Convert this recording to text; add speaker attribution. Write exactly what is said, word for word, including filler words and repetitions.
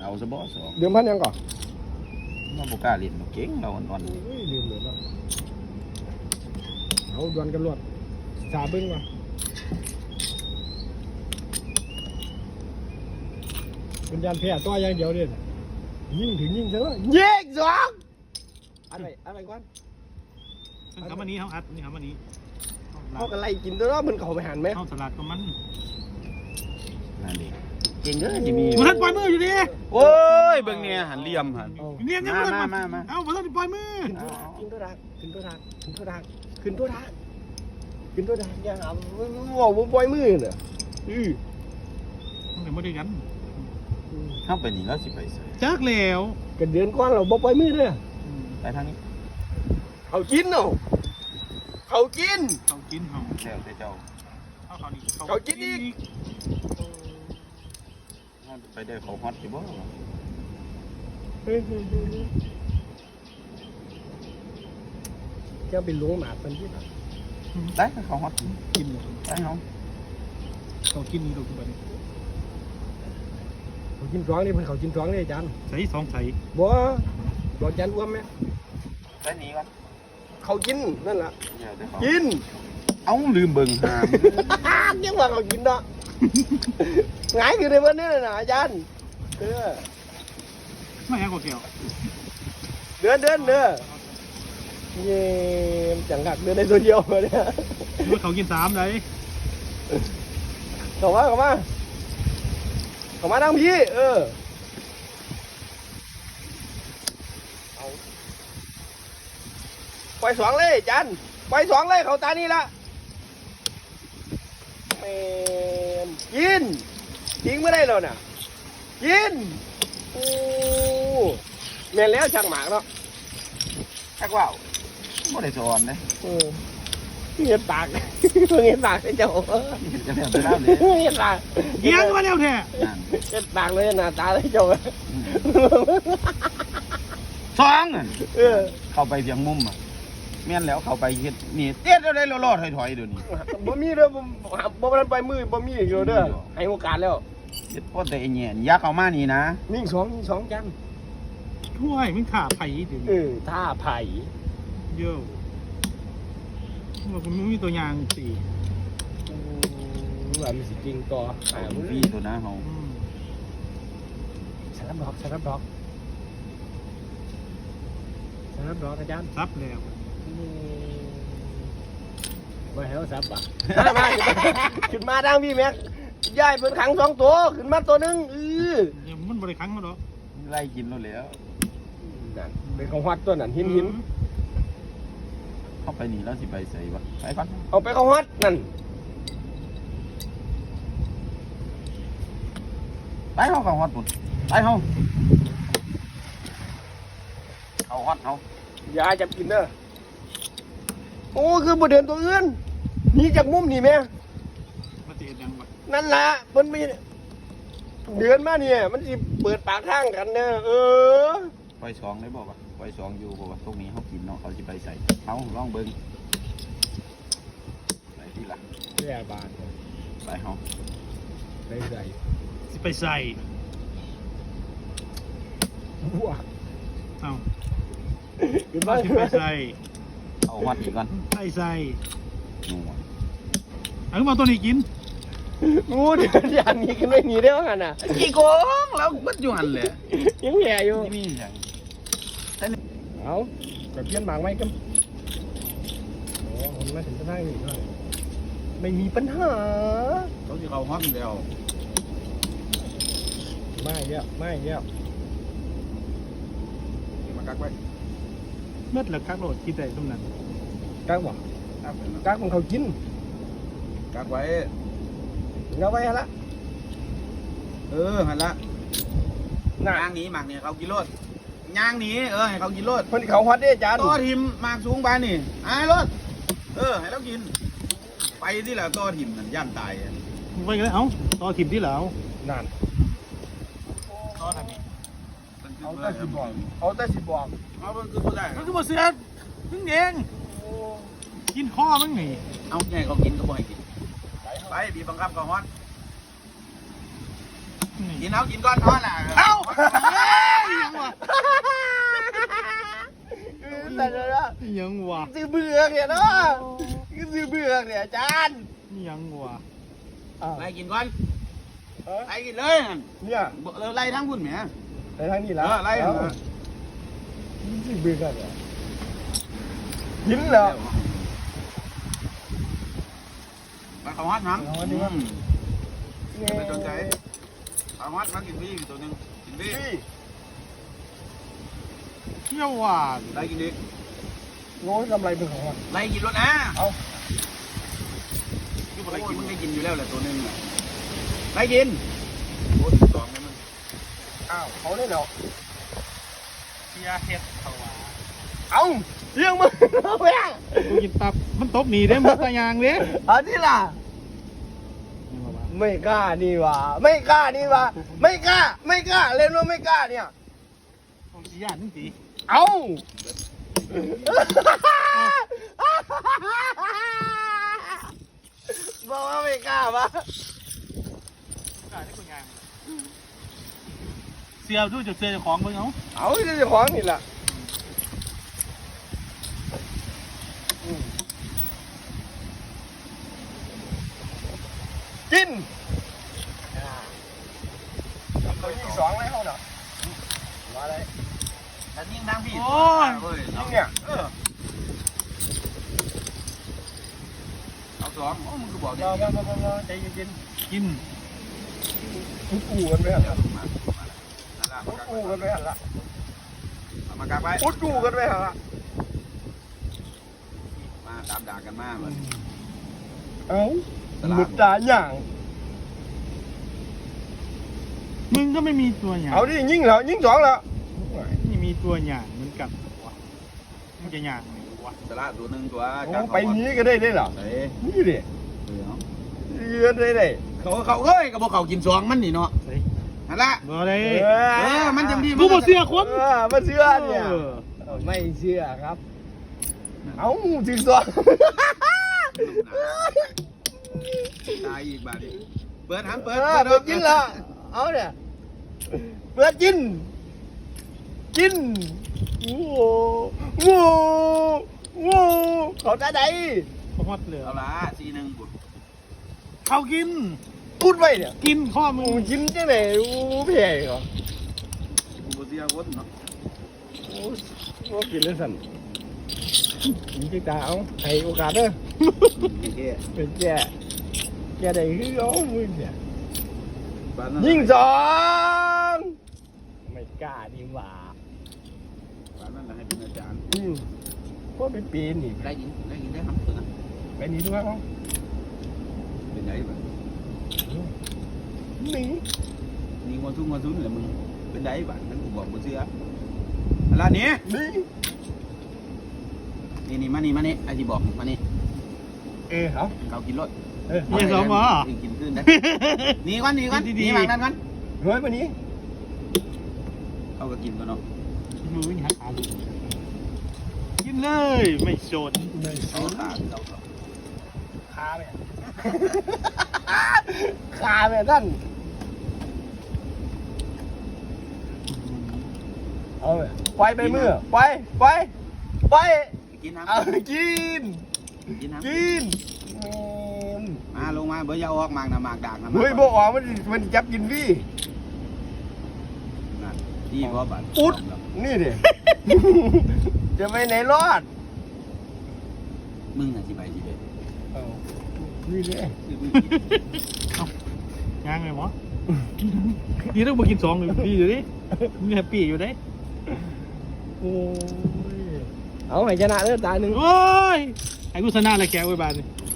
Speaker 1: เอาซะบ่สอง
Speaker 2: เดิมพันยังก่อน
Speaker 1: เราบ่กล้าเล่นเก่งเราอ่อน
Speaker 2: อุ้ยลืมเลยเนาะเอาดวลกันรวดสาบึ้งมาเป็นยานแพ้ตัวอย่างเดียวเด่นยิงถึงยิงซะแล้วยิงสองอะไรอะไรก่อน
Speaker 3: คำวันนี้เขาอัดนี่คำวันนี้
Speaker 2: เขากันไล่กินตัวเนาะมันเข้าไปหันไหม
Speaker 3: เข้าสลัดกับมัน
Speaker 1: ๆนั่นดิเก่งเด้อจะมี
Speaker 3: มันทันปล่อยมืออยู่ดิ
Speaker 1: โอ้ยเบิ่งเนี่ยหันเหลี่ยมหัน
Speaker 3: เนียนยัง
Speaker 1: มา
Speaker 3: มัน
Speaker 1: มามามา
Speaker 3: เอ้ามันทันปล่อยมือ
Speaker 2: ขึ้นตัวดักขึ้นตัวดักขึ้นตัวดักขึ้นตัวดักขึ้นตัวดักยังเอาบอกว่าปล่อยมือเนี่ยอือ
Speaker 3: มันเป็นไม่ได้กัน
Speaker 1: เข้าไปนี่แล้วสิไปใส่
Speaker 3: จักแล้ว
Speaker 2: กันเดือนก้อนเราบ่ปล่อยมือเด้อ
Speaker 1: ไปทางนี้
Speaker 2: เขากินเนาะเขากิน
Speaker 3: เขากินเขา
Speaker 1: แซวแต่เจ้า
Speaker 3: เขาเขานี่
Speaker 2: เขากินอีก
Speaker 1: ไปได้เขาฮอตอยู่บ่
Speaker 2: เจ้าเป็นหลวงหมาเป็นที่ไหน
Speaker 1: ได้เขาฮอต
Speaker 3: กินเลย
Speaker 1: ได้เขา
Speaker 3: เขากินนี่เราคือแบบนี้
Speaker 2: เขากินร้องนี่เพิ่นเขากินร้องนี่อาจารย์
Speaker 3: ใส่สองใส่
Speaker 2: บ่บอกอาจารย์อ้วมไหม
Speaker 1: ไปหนีก่อน
Speaker 2: เขากินนั่นแหละ
Speaker 1: เดี๋ยวเดี๋ยวเขา
Speaker 2: กิน
Speaker 1: เอ้าลืมเบิ่งหาม
Speaker 2: ยังว่าเขากินเนาะหงายอยู่ในวันนี้นะอาจารย์เออ
Speaker 3: ไม่แห้งกว่าเกี่ยว
Speaker 2: เดินเดินเด้อเยี่ยมจังกักเดินในตัวเดียวเนี่ย
Speaker 3: ดูเขากินสามเลย
Speaker 2: เข้ามาเข้ามาเข้ามาดังพี่เออเอาปล่อยสองเลยอาจารย์ปล่อยสองเลยเขาตานี่ละแม่นกินทิ้งไม่ได้แล้วน่ะกินโอ้แม่นแล้วช่างหมากเนาะ
Speaker 1: ชักว่าวบ่ได้สอนเด้
Speaker 2: เออเงียบปาก เงียบปากให้เจ้า
Speaker 1: จะแล้วจะแล้วเลย
Speaker 2: เงียบปาก
Speaker 3: เยี่ยงมาแล้วแท้
Speaker 1: นั่น
Speaker 2: เงียบปากเลยหน้าตาให้เจ้า
Speaker 1: สองอะ
Speaker 2: เออ
Speaker 1: เข้าไปเพียงมุมอ่ะแม่นแล้วเข้าไปเฮ็ดนี่เตี้ยได้รอดๆถอยๆเดี๋ยวนี้
Speaker 2: บ่มีเด้อบ่บ่ทันไปมือบ่มีอยู่เด้อให้โอกาสแล้ว
Speaker 1: เฮ็ดพอแต่ไอ้แหน่ยักเข้ามานี่นะ
Speaker 2: นิ่งสองนิ่งสองจัน
Speaker 3: ถ้วยมันขาไผ่ถึง
Speaker 2: เออท่าไผ่
Speaker 3: เยอะว่าคุณมีตัวอย่างสี่
Speaker 2: อืมว่ามันสิจริงต่ออ่า
Speaker 1: เอา
Speaker 2: มึง
Speaker 1: ฟรีตัวนะเฮา
Speaker 2: สารบดอกสารบดอกสารบดอกอาจารย์
Speaker 3: ซับแล้ว
Speaker 2: มาให้เขาซับป่ะมามาขึ้นมาดังพี่แม็กย้ายเป็นขังสองตัวขึ้นมาตัวหนึงเออ
Speaker 3: มันบริครั้งแล้วหรอ
Speaker 1: ไล่กินแล้วแหล้ว
Speaker 2: นั่นเป็นของวัดตัวนั้นหินหิน
Speaker 1: เข้าไปนี่แล้วสิไปใส่บ่ไปก่อน
Speaker 2: เอาไปของวัดนั่น
Speaker 1: ไปเฮาเข้าฮอดพุ่นไปเฮาเข้าฮอดเฮา
Speaker 2: อย่าจับกินเด้อโอ้คือบ่เดินตัวอื่นหนี่จากมุมนี่แม่
Speaker 3: มาเตียนยังวะ
Speaker 2: นั่นล่ะเพิ่นมีเดือนมาเนี่ยมันสิเปิดปากทางกันเด้อเออ
Speaker 1: ปล่อยสองได้บ่วะปล่อยสองอยู่บ่วะพวกนี้เฮากินเนาะเขาสิไปใส่เฮาลองเบิ่งไปที่หลัง
Speaker 2: แย่บาท
Speaker 1: ไปเฮา
Speaker 2: ไปใส่
Speaker 3: สิไปใส่
Speaker 2: บัว
Speaker 3: เอ้า
Speaker 2: ขึ้น
Speaker 3: มา
Speaker 2: มา
Speaker 3: สิไปใส่
Speaker 1: เอาฮอดอีกก่อน
Speaker 3: ไปใส่
Speaker 1: หนู
Speaker 3: เอามาตัวนี้กิน
Speaker 2: งูเดือนอย่างนี้ขึ้นไม่มีได้ว่ากันน่ะ
Speaker 1: กี่โกงแล้วบัดอยู่หั่นแหละ
Speaker 2: ยังแย่อยู่
Speaker 1: นี่มีหยัง
Speaker 2: เอากับเพี้ยนหมากไหมกันโอ้คนมาถึงจะได้อีกหน่อยไม่มีปัญหา
Speaker 1: เขาสิเข้าฮอดแล้ว
Speaker 2: ไม่เยี่ยมไม่เยี่ยม
Speaker 1: มากักไว้
Speaker 3: เมื่อหลักคักโหลดกินแต่ตรงนั้น
Speaker 2: กักบ่
Speaker 1: กักไว้
Speaker 2: กักของเขากิน
Speaker 1: กักไว้
Speaker 2: เอาไว้ฮะละ
Speaker 1: เออหั่นละ
Speaker 2: น่ะ
Speaker 1: ย่างหนีหมากเนี่ยเขากินโลดย่างหนีเออให้เขากินโลด
Speaker 2: คนที่เขาฮอตเด้อาจารย์
Speaker 1: ต่อทิมหมากสูงไปนี่ไอ้โลดเออให้เรากิน ไปที่ละต่อทิมนั่นย่านตายอะ
Speaker 3: ไปกันเลยเอ้าต่อถิ่มที่เหลา
Speaker 2: นั่น
Speaker 3: ต่อทำนี่
Speaker 2: เอาแต่สิบอกเอาแต่สิบอก
Speaker 1: เอามันคือผู้ได้
Speaker 3: มันก็บ่เสือมึงเองกินข้อมึงนี่
Speaker 1: เอาไงเขากินก็บ่ให้กินไปบีบบังคับเขาฮอตกินเอากินก้อนฮอตล่ะ
Speaker 3: เอ้า
Speaker 2: เนี่ยเนาะคือซื้อเบือกเนี่ยอาจารย์
Speaker 3: นี่ยังวะ
Speaker 2: อ้าว
Speaker 1: ไล่กินก่อน
Speaker 2: เออ
Speaker 1: ไล่กินเลยนั่น
Speaker 2: เนี่ย
Speaker 1: บ่เออไล่ทั้งพุ่นแหม
Speaker 2: ไปทางนี้แล้ว
Speaker 1: เออไล่
Speaker 2: เอาซื้อเบือกเนี่ยกินแล้ว
Speaker 1: มาเขาฮัดน้ำ
Speaker 2: เอาฮัดดีกว่า
Speaker 1: อืม ไม่สนใจ เอาฮัดมากินพี่ตัวหนึงกินพี่
Speaker 2: พี่
Speaker 3: เที่ยวว่ะ
Speaker 1: ไล่กินดิ
Speaker 2: โง่กำไรเป็นของมัน
Speaker 1: ไล่กินรถนะ
Speaker 2: เอา
Speaker 1: คือบ่ไล่กินมึงได้กินอยู่แล้วแหละตัวหนึงน่ะไล่กินโอ้ยสองเลยมึง
Speaker 2: อ้าวเขาได้แล้ว
Speaker 3: เที่ยเฮ็ดเขาว่ะ
Speaker 2: เอาเรื่องมึงเอาไปอ่ะ
Speaker 3: กูกินตับมันตบหนีได้หมดตายางเด้
Speaker 2: เอาที่ล่ะ ไม่กล้านี่หว่าไม่กล้านี่หว่าไม่กล้า ไม่กล้าเล่นว่าไม่กล้าเนี่ย
Speaker 3: ผมสิยานนึงสิ
Speaker 2: เอาบอกว่าไม่กล้าปะ
Speaker 3: ได้ได้กูยางเสียวดูจะเสียเจ้าของมึงเอา
Speaker 2: เอาเจ้าของนี่แหละอืมกินตัวที่สองเลยเขาเนาะมาเลย
Speaker 1: แต่ยิ่งทางพี่
Speaker 3: โอ้ย
Speaker 1: เว้ย
Speaker 2: ยิงเนี่ย
Speaker 1: เออเอาสองโอ้มึงก็บอกดิ
Speaker 2: มามามามาใจเย็น
Speaker 3: กิน
Speaker 2: ๆทุกอูกันไปหันละ
Speaker 1: มานั่นล่ะ
Speaker 2: ทุกอูกันไปหันละ
Speaker 1: เอามากางไป
Speaker 2: ทุกอูกันไปหันละ
Speaker 1: มาตามด่ากันมาเหมือน
Speaker 2: เอ้าหมุดตาอย่าง
Speaker 3: มึงก็ไม่มีตัวหยาง
Speaker 2: เอาดิยิงแล้วยิงสองแล้ว
Speaker 3: นี่มีตัวหยางเหมือนกันวะมันจะหยางไหนวะ
Speaker 1: ตลาดตัวหนึ่งตัว
Speaker 2: โอ้ไปนี้ก็ได้ได้เหรอ
Speaker 1: เฮ้ย
Speaker 2: นี่ดิ
Speaker 1: เดี๋ยว
Speaker 2: ยืนได้ได้
Speaker 1: เขาเขาเอ้ยก็บอกเขากินสองมันนี่เนาะ
Speaker 3: เฮ้ย
Speaker 1: นั่นละ
Speaker 3: บ่ได้
Speaker 1: เออมันจังดี
Speaker 3: กูบ่เสียคน
Speaker 2: เออมาเชื่อเนี่ย
Speaker 3: เออ
Speaker 2: ไม่เชื่อครับ เอ้าถึงสอง
Speaker 1: ตายอีกบาทดิเปิดหันเปิ
Speaker 2: เอ
Speaker 1: ด
Speaker 2: อเปิดกินละเอาเนี่ยเปิดกิน กินโอ้โหโอ้โหเขาจะได้
Speaker 3: เขาฮอดเลย
Speaker 1: เอาละสีหนึ่งบุญ
Speaker 3: เขากิน
Speaker 2: พูดไว้เนี่ย
Speaker 3: กินข้อมึ
Speaker 2: มึ
Speaker 3: ง
Speaker 2: งกินจังไหนโอ้เพ่เหรอ
Speaker 1: กูบ่เสียคนเนาะ
Speaker 2: โอ้โหกินเลยสั่นมีจิตาเอาให้โอกาสเด้อ
Speaker 1: โอเค
Speaker 2: เป็นแกแกได้คือเอามึงเนี่ย
Speaker 1: บ้านนั้น
Speaker 2: ยิงสองไม่กล้าดีหว่า
Speaker 1: บ้านนั้นน่ะให้เป็นอาจารย์
Speaker 2: อืมพวกไปปีนนี่
Speaker 1: ได้ยินได้ยินได้ครับตัวนั้น
Speaker 2: ไปนี่ด้วยเขา
Speaker 1: เป็นไงบ้าง
Speaker 2: หนี
Speaker 1: นี่งอนทุ่งงอนทุนเลยมึงเป็นไงบ้างนั่นกูบอกบ่เชื่ออะไรนี่
Speaker 2: หนี
Speaker 1: นี่นี่มานี่มานี่ไอ้ที่บอกมานี่
Speaker 2: เออเอา
Speaker 1: เขากินรถ
Speaker 2: เออ
Speaker 3: เนี่ยสองหมอ
Speaker 1: กินขึ้นได้หนีก่อนหนีก่อน
Speaker 3: ดี
Speaker 1: ห
Speaker 3: ๆ
Speaker 1: นีมานั่นก่อน
Speaker 2: เฮ้ยมานี้
Speaker 1: เขาก็กินตัวเนาะ
Speaker 3: มือวิ่งหาขากินเลยไม่โจน
Speaker 2: ไม่
Speaker 1: เอาขาเรา
Speaker 2: คาแม่คาแม่ท่านเอาแม่ไปไปมือไปไปไป
Speaker 1: กินน้
Speaker 2: เอากิน
Speaker 1: ำกินน้
Speaker 2: กินแม่น
Speaker 1: ำมาลงมาเบอร์ยาออกมากนะมากดากนะ
Speaker 2: เฮ้ยบอกออกมันมันจับกินพี่
Speaker 1: นั่นนี่เพราะบัตร
Speaker 2: อุดนี่ดิ จะไปไหนรอด
Speaker 1: มึงน่ะสิไปสิไป
Speaker 2: เอานี่ดิ
Speaker 3: ยางไงหมอนี่ต้องมากินสองเลยดีอยู่ดิมีแฮปปี้อยู่ได้
Speaker 2: โอ้ยเอาไปชนะเด้อตาหนึ่ง
Speaker 3: โอ้ยไอ้กูชนะอะไรแกไว้บ้านนี่